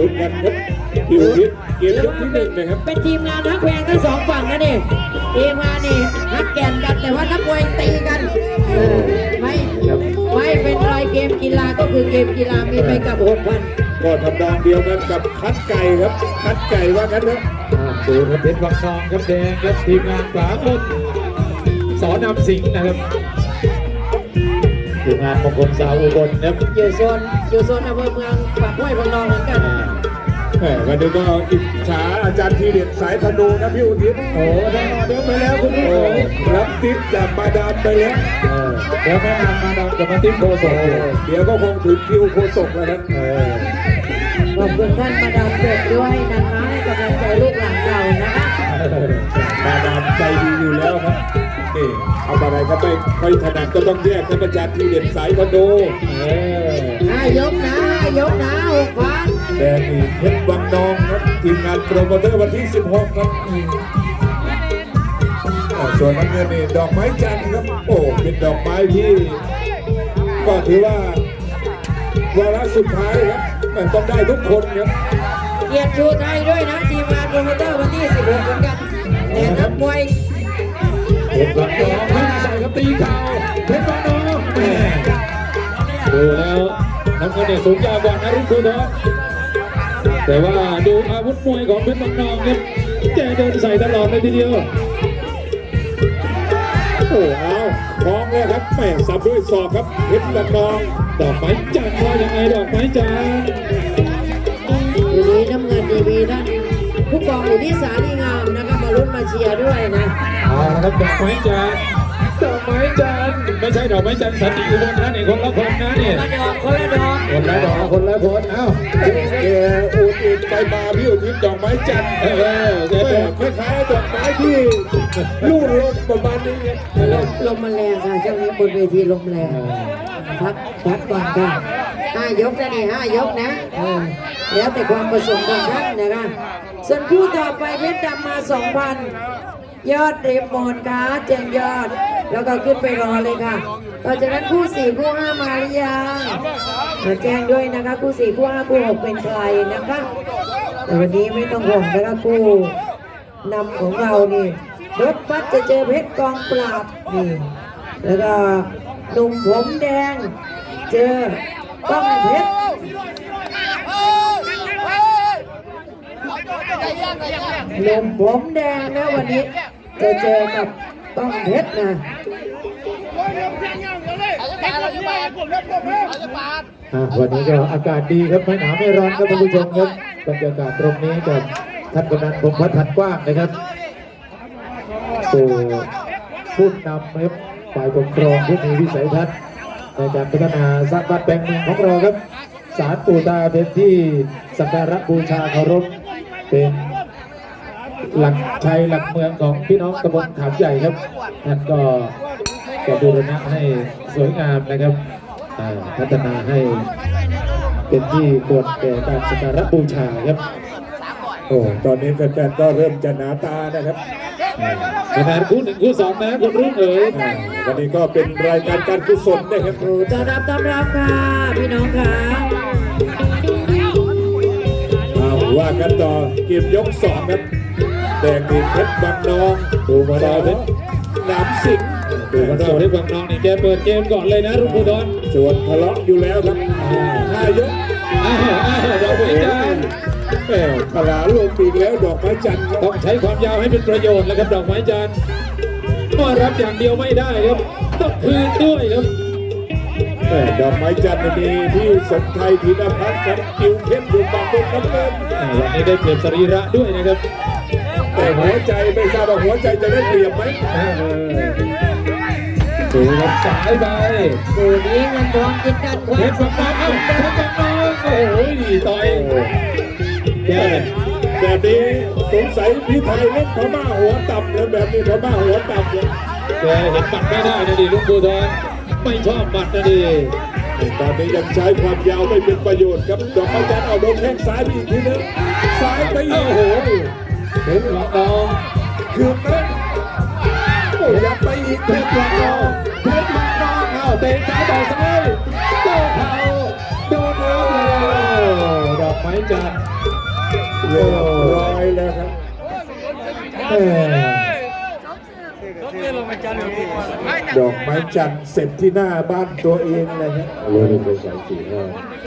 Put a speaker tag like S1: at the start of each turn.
S1: ลุ้นกันครับพี่อุทิศเกมยกที่หนึ่งนะครับ
S2: เป็นทีมงานฮักแพงทั้งสองฝั่งนะนี่ทีมงานนี่ฮักแก่นกันแต่ว่านักมวยตีกันไม่เป็นไรเกมกีฬาก็คือเกมกีฬามีไปกับ6,000
S1: ก็ทำนองเดียวกันกับคัดไก่ครับคัดไก่ว่ากันครับ
S3: ดูครับเพชรวังทองครับแดงครับทีมงานขวาบนสอนำสิงห์นะครับทีมงานมงคลสาวอุบลครับ
S2: อยู่โซนอำเภอเมืองปากห้วยพนองเหมือนกัน
S1: วันนี้ก็อิจฉาอาจารย์ทีเด็ดสายธนูนะพี่อุทิศ
S3: โอ้ได้รอเดี๋ยวไปแล้วคุณผู้ชม
S1: รับติ๊บจากมาดามไปแล้ว
S3: เดี๋ยวแม่นำมาดามจะมาติ๊บโคศก
S1: เดี๋ยวก็คงถึงคิวโคศกแล้วครับ
S2: ขอบคุณท่านมาดามเด็กด้วยนะคะให้กำลังใจลูกหลานเรานะคะ
S1: มาดามใจดีอยู่แล้วครับนี่เอาอะไรก็ไม่ค่อยถนัดก็ต้องแยกท่านอาจารย์ทีเด็ดสายธนู
S2: 5 ยกนะ6,000
S1: แดงนี่เพชรวังนองครับทีมงานโปรโมเตอร์วันที่16ครับส่วนน้ำเงินนี่ดอกไม้จันทร์ครับโอ้เป็นดอกไม้ที่ก็ถือว่าวาระสุดท้ายครับมันต้องได้ทุกคนครับ
S2: เกียรติชูไทยด้วยนะทีมงานโปรโมเตอร์วันที่16เหมือนกันแต่นักมวย
S3: เพชรวังนองไม่ใส่ครับตีเข่าเพชรวังนองดูแล้วน้ำเงินเนี่ยสูงยาวกว่านะรุ่นคุณท้อแต่ว่าดูอาวุธมวยของเพชรวังนองครับแกเดินใส่ตลอดเลยทีเดียว
S1: โอ้เอาคล้องเลยครับแม่สับด้วยศอกครับเพชรวังนอง
S3: ดอกไม้จันทร์ว่ายังไงดอกไม้จันทร์
S2: ทีนี้น้ำเงินดีมีท่านผู้กองอยู่ที่สาลีงามนะครับมาลุ้นมาเชียร์ด้วยนะ
S3: เอาละครับดอกไม้จันทร์ดอกไม้จันทร์ไม่ใช่ดอกไม้จันทร์สันติอุบลนะนี่คนละคนนะนี่
S2: คนละดอก
S3: คนละคนเอ้า
S1: แกอุดไปมาพี่อุทิศดอกไม้จันทร์แกคล้ายๆดอกไม้ที่ลู่ลมประมาณนี้ครับ
S2: ลมมันแรงค่ะช่วงนี้บนเวทีลมแรงพักก่อนค่ะ5 ยกนะนี่5 ยกนะแล้วแต่ความประสงค์ของท่านนะคะส่วนคู่ต่อไปเพชรดำมา 2,000 ยอดเรมมอนค่ะแจ้งยอดแล้วก็ขึ้นไปรอเลยค่ะต่อจากนั้นคู่4คู่5มาหรือยังมาแจ้งด้วยนะคะคู่4คู่5คู่6เป็นใครนะคะแต่วันนี้ไม่ต้องห่วงนะคะคู่นำของเรานี่รถบัสจะเจอเพชรกองปราบนี่แล้วก็หนุ่มผมแดงเจอต้องเพชรหนุ่มผมแดงนะวันนี้จะเจอกับต้องเพชรนะ
S3: วันนี้ก็อากาศดีครับไม่หนาวไม่ร้อนครับท่านผู้ชมครับบรรยากาศตรงนี้กับท่านกำนันพงษ์พัฒน์กว้างนะครับตัวผู้นำครับฝ่ายปกครองผู้มีวิสัยทัศน์ในการพัฒนาสร้างบ้านแปลงเมืองของเราครับศาลปู่ตาเป็นที่สักการะบูชาเคารพเป็นหลักชัยหลักเมืองของพี่น้องตำบลขามใหญ่ครับท่านก็บูรณะให้สวยงามนะครับพัฒนาให้เป็นที่ควรแก่การสักการะบูชาครับ
S1: โอ้ตอนนี้แฟนๆก็เริ่มจะหนาตานะครับ
S3: ขนาดคู่1คู่2นะคุณรุ่งเอ๋ย
S1: วันนี้ก็เป็นรายการการกุศลนะครับ
S2: ต้อนรับค่ะพี่น้องค่ะ
S1: ว่ากันต่อเกมยก2ครับแดงดินเพชรวังนอง
S3: ดูมาดาวเพชร
S1: น้ำสิง
S3: ดูมาดาวเพชรวังนองนี่แกเปิดเกมก่อนเลยนะรุ่งผู้ดอน
S1: ส่วนทะเลาะอยู่แล้วครับ5 ยก
S3: ดอกไม้จันทร์
S1: ปลาลงปีกแล้วดอกไม้จันทร์
S3: ต้องใช้ความยาวให้เป็นประโยชน์แล้วครับดอกไม้จันทร์ก็รับอย่างเดียวไม่ได้ครับต้องคืนด้วยครับ
S1: ดอกไม้จันทร์มีที่สมไทยธีรพัฒน์กับคิวเข้มอยู่ฝั่งตรงน้ำเงิน
S3: วันนี้ได้เปรียบสรีระด้วยนะครับ
S1: แต่หัวใจไม่ทราบว่าหัวใจจะได้เปรียบไหม
S3: ดูครับสายไป
S2: ดูนี้เงินทองกินกัน
S3: เพชรวังนองเพชรวังนองโอ้โหต่อย
S1: แบบนี้สงสัยพี่ไทยเล่นพม่าหัวต่ำแล้วแบบนี้พม่าหัวต่ำเนี่ย
S3: แกเห็นปัดไม่ได้นะดิลุงบูทอนไม่ชอบปัดนะดิ
S1: ตอนนี้ยังใช้ความยาวไม่เป็นประโยชน์ครับดอกไม้จันทร์เอาโดนแข้งซ้ายไปอีกทีนึงซ้ายไปอีกโอ้โห
S3: เพชรวังนอง
S1: คืนนั้นโอ้ยับไปอีก
S3: เพชรวังนองเอาเตะซ้ายต่อซ้ายโต้เข่าโดนแล้วดอกไม้
S1: จันทร์เรียบร้อยแล้วครับ
S3: แม่
S1: ดอกไม้จันทร์เสร็จที่หน้าบ้านตัวเองเลยครับ
S3: รู้เป็นสายสี